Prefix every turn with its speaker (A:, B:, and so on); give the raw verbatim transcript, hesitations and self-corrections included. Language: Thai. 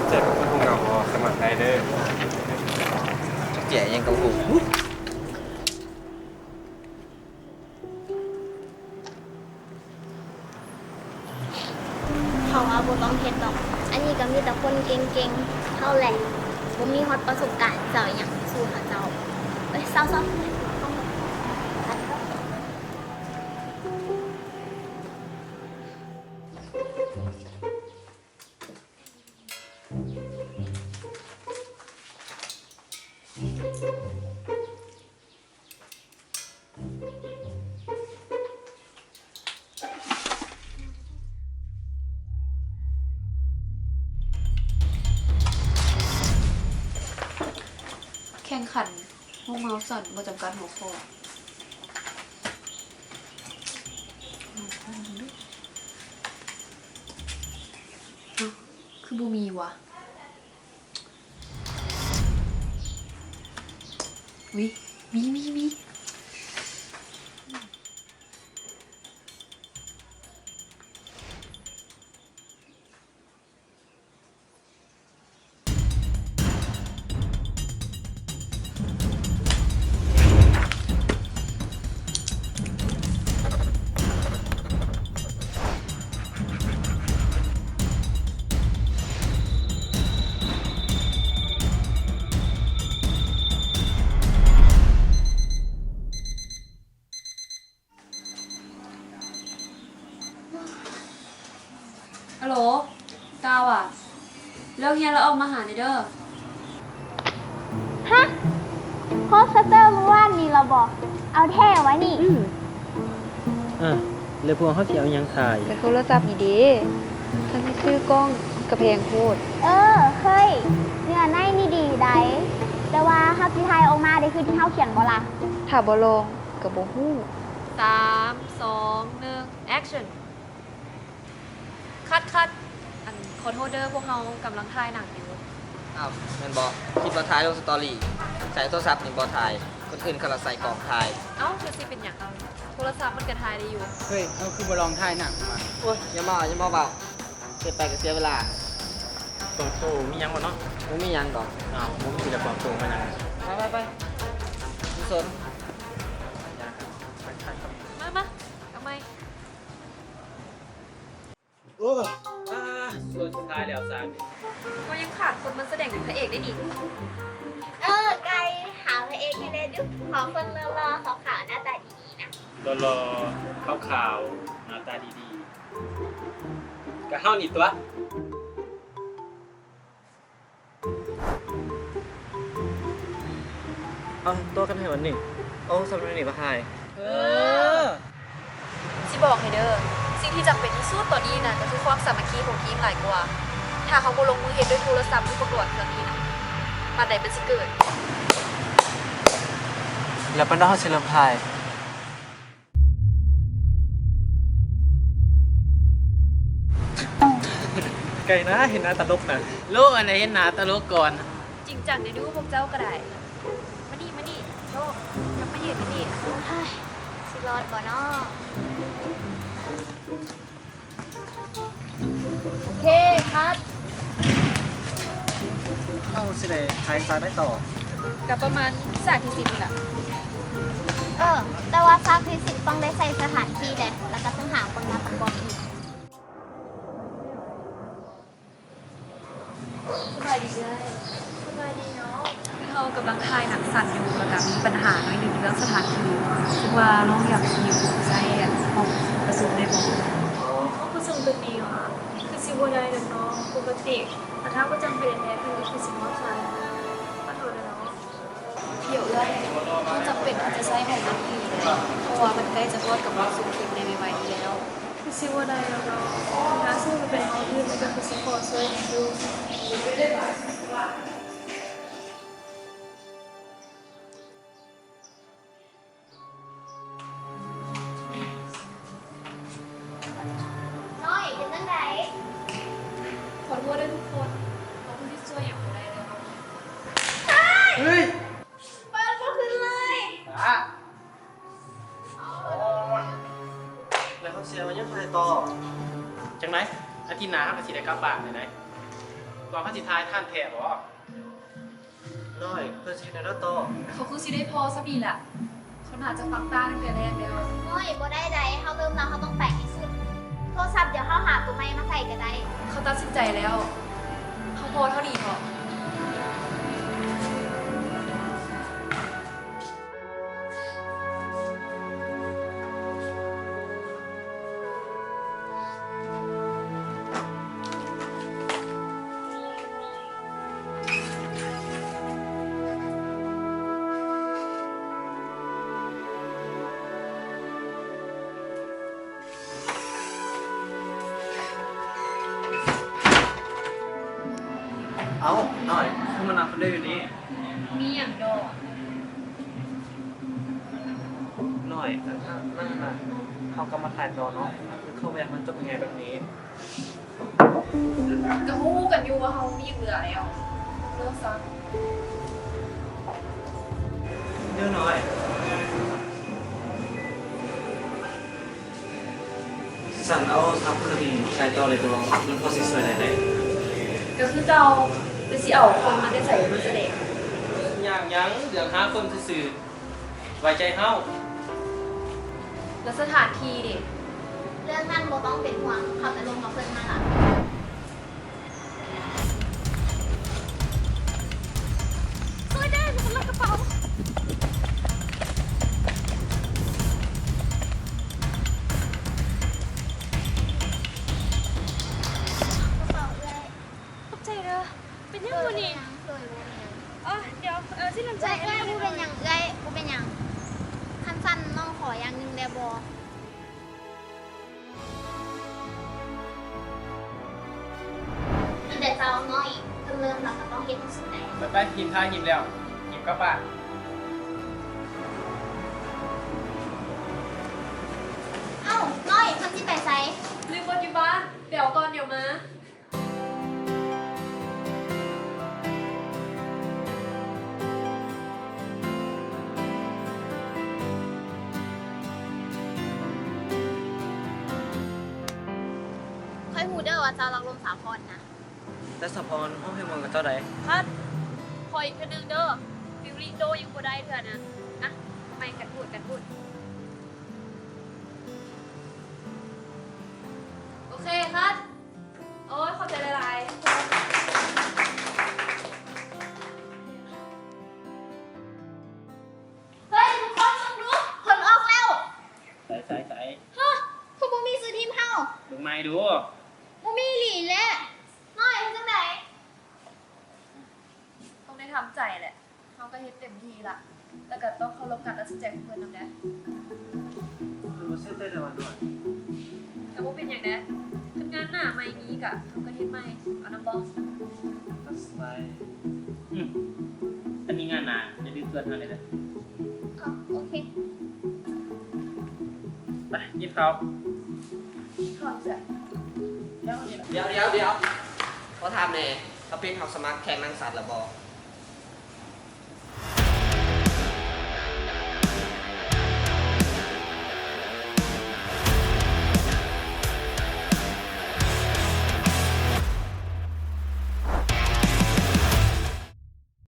A: เจ็บก็คงเอาสมัครได้เด้อ
B: เจ๋ยังกับหู
C: เขาว่าบ่ต้องเฮ็ดดอก อันนี้ก็มีแต่คนเก่งๆเท่าแหละบ่มีฮอดประสบการณ์เจ้าหยังสู้หาเจ้าเอ้ยเศร้าๆ
D: แข่งขันห้องเมาส์สั่นประจำการหัวข้อคือบูมีวะวิมีมีมีฮัลโหลกาวอ่ะเลิกเฮียนแล้วออกมาหาในเด้อ
C: ฮะโพสเตอร์เมื่อวานนี้เราบอกเอาแท้ไว้นี่
B: อ่ะเลยพวงเขาเสียวยังถ่าย
D: แต่โทรศัพท์นี่ดีถ้าที่ซื้อกล้องกระเพงโคตร
C: เออเฮ้ยเนื้อในนี่ดีได้แต่ว่าเฮาสิถ่ายออกมาได้คือที่เฮาเขียนบ่ล่ะ
D: ถ้าบ่ลองกับบ่ฮู้สามสองหนึ่ง action คัดคัดอันขอโทษเด้อพวกเรากำลังถ่ายหนังอยู่
B: อ้าวแมนบอคลิปเราถ่ายลงสตอรี่ใส่โทรศัพท์นี่บอถ่ายคนอื่นเขาเราใส่กล่องถ่าย
D: เอ้าจะสิเป็นอย่างเอาโทรศัพท์มันกระถ่ายได้อยู่
E: เฮ้ยเราคือบลองถ่ายหนังมา
B: โอ้ยอย่ามาอย่ามาเบาเสียไปก็เสียเวลา
A: ตรงโตมียังบ่เนาะ
B: มึงมีหยังก่อน
A: อ้าวผมมีแต่ความตรงมายัง
B: ไปไปไปทุกสน
D: มามาทำไม
A: โอ้อ่าส่วนสุดท้ายแล้วซาน
D: ก็ยังขาดคนมันแสดงเป็นพระเอกได้ดิ
C: เออไกลหาพระเอกอยู่ในดุขอคนรอๆขาวๆหน้าตาดีๆนะ
A: รอรอขาวขาวๆหน้าตาดีๆกะเฮานี่ตัว
B: เอาตัวกันให้วันหนึ่งโอ้สำหรับนี่ปะถ่าย
E: เออ
D: สิบอกให้เด้อ สิ่งที่จำเป็นที่สุดตอนนี้นะก็คือความสามัคคีของทีมหลายกว่า ถ้าเขาบ่ลงมือเฮ็ดด้วยโทรศัพท์หรือประกวดเครื่องนี้นะปานใดเป็นสิเกิด
B: แล้วเป็นน้องเฉลิมถ่าย
A: ไก่นะเห็นหน้าตลกนะ
E: ลูกอันไหนเห็นหนาตลกก่อน
D: จริงจังในดูพวกเจ้าก็ได้ มานี่มานี่โชคยังไม่เห็นนี่
C: เฮ้ยสิรอดบ่เนาะโอเคครับ
E: เอาสิเลยถ่ายซ้ายไม่ต่อ
D: กับประมาณสามที่สิบนี่แหละ
C: เออ แต่ว่าภาคฟิสิกส์ต้องได้ใส่สถานที่แหละแล้วก็ต้องหาคนมาประกอบอีก
D: สบายดีเลยสบายดีเนาะเรากำลังถ่ายหนังสั้นอยู่แล้วก็มีปัญหาหน่อยหนึ่งเรื่องสถานที่ซึ่งว่าน้องอยากอยู่ใช้ห้องประชุมได้บ่
F: ห้องประชุมตัวนี้ค่ะคือสิบวันใดเด็กน้องปกติแต่ถ้าก็จำเป็นแน่คือคือสิบวันใช้ขอโทษเลยเนาะ
D: เดี๋ยวเลยมันจำเป็นที่จะใช้ของมันอีกเพราะว่ามันใกล้จะทอดกับวันสุกทีมในใหม่ๆนี้แล้ว
F: คือสิบวันใดแล้วเนาะถ้าซึ่งมันเป็นห้องที่มันก็คือสิขอช่วยดู
C: น้อยเป็นจังได
D: ขอโทษด้วยทุกคนขอบคุณที่ช่วยอย่างไรเลย
E: เฮ้ย
C: เปิดบ่ขึ้นเลย
E: อ่ะ
B: แล้วเขาเสียมาเยอะไปต่อ
A: จังไหนอาทิตย์หน้าเขาก็สิได้กลับบ้านได้ไหน
B: เ
A: ก่อนเขาสิทายท่านแท้บ่
E: น้อยเพื่อนสิได้แล้วต่อ
D: เขาคือสิได้พอสักดีแหละเขาน่าจะฟังตาตั้งแต่แรกแล้ว
C: โอ้ยบ่ได้ใดเขาเริ่มแล้วเขาต้องแปลกให้สุดโทรศัพท์เดี๋ยวเขาหาตัวใหม่มาใส่ก็ได้
D: เขาตัดสินใจแล้วเขาพอเท่านี้พอ
E: เอ้าน้อยคือมันนับคนได้อยู่นี่
D: มีอย่างดอก
E: น้อยแต่ถ้านั่นน่ะเขาก็มาถ่ายต่อเนาะคือเข้าแวะมันจบยังไงแบบนี้
D: ก็ฮู้กันอยู่ว่าเขามีอย่างเหลือแล้วเลิกซะ
E: เยอะน้อยสั่นเอาทำคดีถ่ายต่อเลยตัวมันพอสิสวยได้ไหน
D: ก็คือเจ้าไปสิเอาคนมาได้ใส่มาแสดง
A: อย่างหยังเดี๋ยวหาคนซื่อๆไว้ใจเฮา
D: แล้วสถานที่ดิ
C: เรื่องนั้นโบต้องเป็นห่วงเขาจะลงมาเพิ่นมาละช่วยได้ฉันลักกระเป๋ากระเป๋าเลย
F: ขอบใจเด้อเป็นยังบ่นี่
C: สวยบ่เนี่ย
F: อ๋อเดี๋ยวเออสิน้ำใจ
C: เอ้ยเอ้ยกูเป็นหยังเอ้ยกูเป็นหยังคันสั้นน้องขออย่างหนึงได้บ่เดี๋ยวเจ้าน้อยเพิ่นเริ่มแล้วก็ต้องเฮ็ดที่สุดได้
A: ไปไปหินทายหินแล้วหินกลับบ้าน
C: เอ้าน้อยเพิ่นสิไปไส
D: ลืมรถอยู่บ้านเดี๋ยวก่อนเดี๋ยวมา
C: ค่อยฮู้เด้อว่าเจ้ารักลมสาพรนะ
E: แต่สะพรห้องให้เมืองกับเจ้าใด
F: คัดคอยอีกคนนึงเด้อฟิวริโดยังบ่ได้เถื่อนะอ่ะไม่กันพูดกันพูด
D: โอเคครับโอ้ยขอบใจหลายๆ
C: เฮ้ยทุกคนมาดูผลออกแล้ว
A: ใส่ใส่ใส่
C: ฮะคือบ่มีซื้อทีมเฮา
A: เบิ่งไม้ดู
C: บ่มีหลีแหละน้อยเฮ็ดจังได๋
D: ต้องได้ทำใจแหละเขาก็เฮ็ดเต็มที่ละแต่ก็ต้องเคารพการตัดสินใจของเพื่อนนำนะ
E: คือมาเส้นเต้นในวันด้วย
D: แต่ว่าเป็นอย่างนั้นทำงานหน้าไม่นี้กะเขาก็เฮ็ดไม่เอาน้ำบอส
E: ตัดสไลด์
A: อืมอันนี้งานหนาจะดื้อเกินเท่าไหร่เลย
C: อ๋อโอเค
A: ไปยิบเขาว
D: ถอดเสื้อ
B: เดี๋ยวเดี๋ยวเดี๋ยวขอถามแหน่เขาเป็นเขาสมัครแข่งนางสัตว์หรือบ่